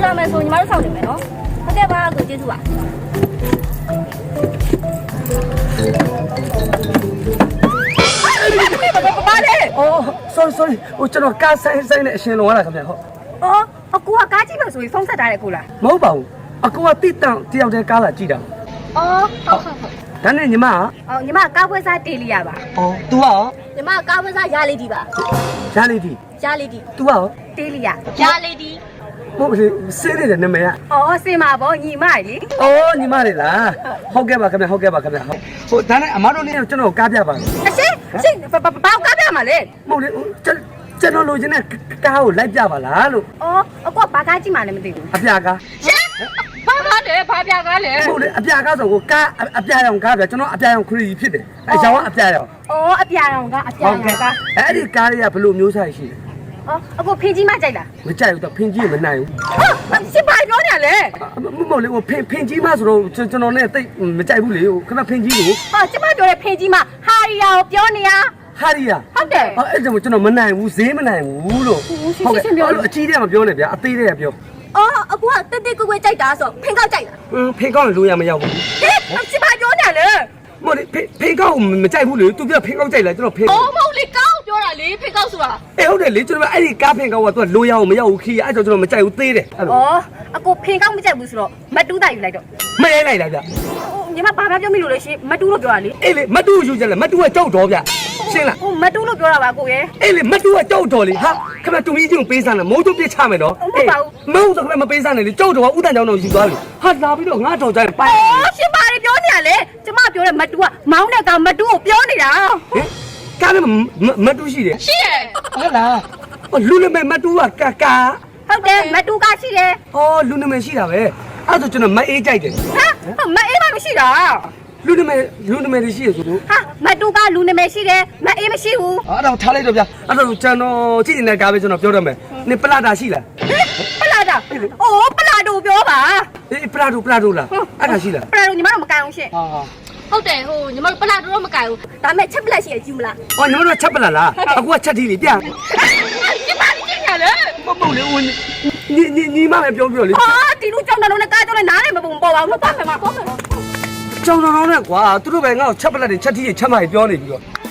လာမယ်ဆိုညီမတို့ဆောင်နေမယ်နော်ဟုတ်ကဲ့ပါကိုကျေးဇူးပါဘာလဲအော် sorry ဟိုကျွန်တော်ကားဆိုင်နဲ့အရှင်လုံရတာခင်ဗျဟုတ်အော်အကူကကားကြည့်လို့ဆိုပြီးဖုန်းဆက်ထားတယ်ကိုလားမဟုတ်ပါဘူးအကူကတိတန့်တယောက်တည်းကားလာကြည့်တာအော်ဟုတ်ဒါနဲ့ညီမအော်ညီမကားပွဲစားတေးလီရပါအော် तू ရောညီမကားပွဲစားရလေးဒီပါရလေးဒီ तू ရောတေးလီရလေးဒီဟုတ်ပြီစေးနေတဲ့နာမည်ကအော်စင်ပါဗောညီမလေအော်ညီမလေးလားဟုတ်ကဲ့ပါခင်ဗျဟုတ်ကဲ့ပါခင်ဗျဟုတ်ဟိုဒါနဲ့အမတို့လည်းကျွန်တော်ကားပြပါမယ်အရှင်ဘာကားပြမှာလဲမဟုတ်လေကျွန်တော်လိုချင်တဲ့ကားကိုလိုက်ပြပါလားလို့အော်အကွာဘာကားကြည့်မှလည်းမသိဘူးအပြာကားရှင်ဘာကားလဲဘာပြာကားလဲဟုတ်လေအပြာကားဆိုကိုကားအပြာရောင်ကားပြကျွန်တော်အပြာရောင်ခရီးဖြစ်တယ်အဲရောင်ကအပြာရောင်အော်အပြာရောင်ကားအဲ့ဒီကားတွေကဘယ်လိုမျိုးစားရှိလဲအော်အခုဖင်ကြီးမကြိုက်လားမကြိုက်ဘူးတော့ဖင်ကြီးမနိုင်ဘူးဟာစစ်ပါပြောနေရလေမဟုတ်လေဟိုဖင်ကြီးမဆိုတော့ကျွန်တော်နဲ့တိတ်မကြိုက်ဘူးလေဟိုခဏဖင်ကြီးကိုဟာကျမပြောတဲ့ဖင်ကြီးမဟာရီယာကိုပြောနေရဟာရီယာဟုတ်တယ်အဲ့ဒါကျွန်တော်မနိုင်ဘူးဈေးမနိုင်ဘူးလို့ဟုတ်ကဲ့အကြီးတဲ့မပြောနဲ့ဗျာအသေးတဲ့ပြောအော်အခုကတက်တက်ကွယ်ကွယ်ကြိုက်တာဆိုဖင်ကောက်ကြိုက်လားဖင်ကောက်လိုရမရောက်ဘူးဟဲ့စစ်ပါပြောနေလေမဟုတ်လေဖင်ကောက်မကြိုက်ဘူးလေသူပြောဖင်ကောက်ကြိုက်လားကျွန်တော်ဖင်အော်မဟုတ်လေကောက်ပြောတာလေဖင်ကောက်ဆိုတာဟုတ်တယ်လေကျွန်တော်အဲ့ဒီကားဖင်ကောက်ကသူကလိုရအောင်မရောက်ဘူးခီးအဲ့တော့ကျွန်တော်မကြိုက်ဘူးသေးတယ်အော်အခုဖင်ကောက်မကြိုက်ဘူးဆိုတော့မတူးတာယူလိုက်တော့မရိုက်လိုက်လားဗျညီမဘာပြောမိလို့လဲရှင်မတူးလို့ပြောတာလေအေးလေမတူးယူကြလဲမတူးကကြောက်တော်ဗျရှင်းလားဟိုမတူးလို့ပြောတာပါကိုရဲ့အေးလေမတူးကကြောက်တော်လေဟာခမတူမီးချင်းပေးစားနေမိုးတို့ပြစ်ချမယ်နော်အေးမဟုတ်တော့ခမမပေးစားနဲ့လေကြောက်တော်ကဥတန်ကြောင်တော့ယူသွားပြီဟာလာပြီးတော့ငါတော်ကြိုင်ပိုင်အော်ရှင်ပါလေပြောနေရလေကျမပြောတဲ့မတူးကမောင်းတဲ့ကောင်မတူးကိုပြောနေတာဟင်ကားလည်းမတူးရှိတယ်ရှိတယ်ဟုတ်လားလူနမဲမတူးကကာဟုတ်တယ်မတူးကရှိတယ်ဟောလူနမဲရှိတာပဲအဲ့ဒါကျွန်တော်မအေးကြိုက်တယ်ဟာမအေးမရှိတာလူနမဲတွေရှိရဆိုလို့ဟာမတူကလူနမဲရှိတယ်မအေးမရှိဘူးအဲ့တော့ထားလိုက်တော့ဗျာအဲ့တော့ကျွန်တော်ကြည့်နေတဲ့ကားပဲကျွန်တော်ပြောတော့မယ်နင်ပလာတာရှိလားပလာတာအိုးပလာတိုပြောပါအေးပလာတိုလားအဲ့ဒါရှိလားပလာတိုညီမတို့မကန်အောင်ရှင့်ဟုတ်တယ်ဟိုညီမတို့ပလာတိုတော့မကန်ဘူးဒါမဲ့ချက်ပလက်ရှိရကြည့်မလားအော်ညီမတို့ချက်ပလက်လားအခုကချက်တီးလေပြညီမလေးကြည့်ရလေမဟုတ်လေဝင်ညီမလည်းပြောလေဟာဒီလူကြောင်တော်နဲ့ကားကြောင်နဲ့နားလည်းမပုံပေါ်ပါဘူးတော့ပါမယ်မှာဟုတ်မယ်ကြောင်တော်နဲ့ကွာသူတို့ပဲငါ့ကိုချက်ပလက်တွေချက်တီးတွေချက်မှပြောနေပြီးတော့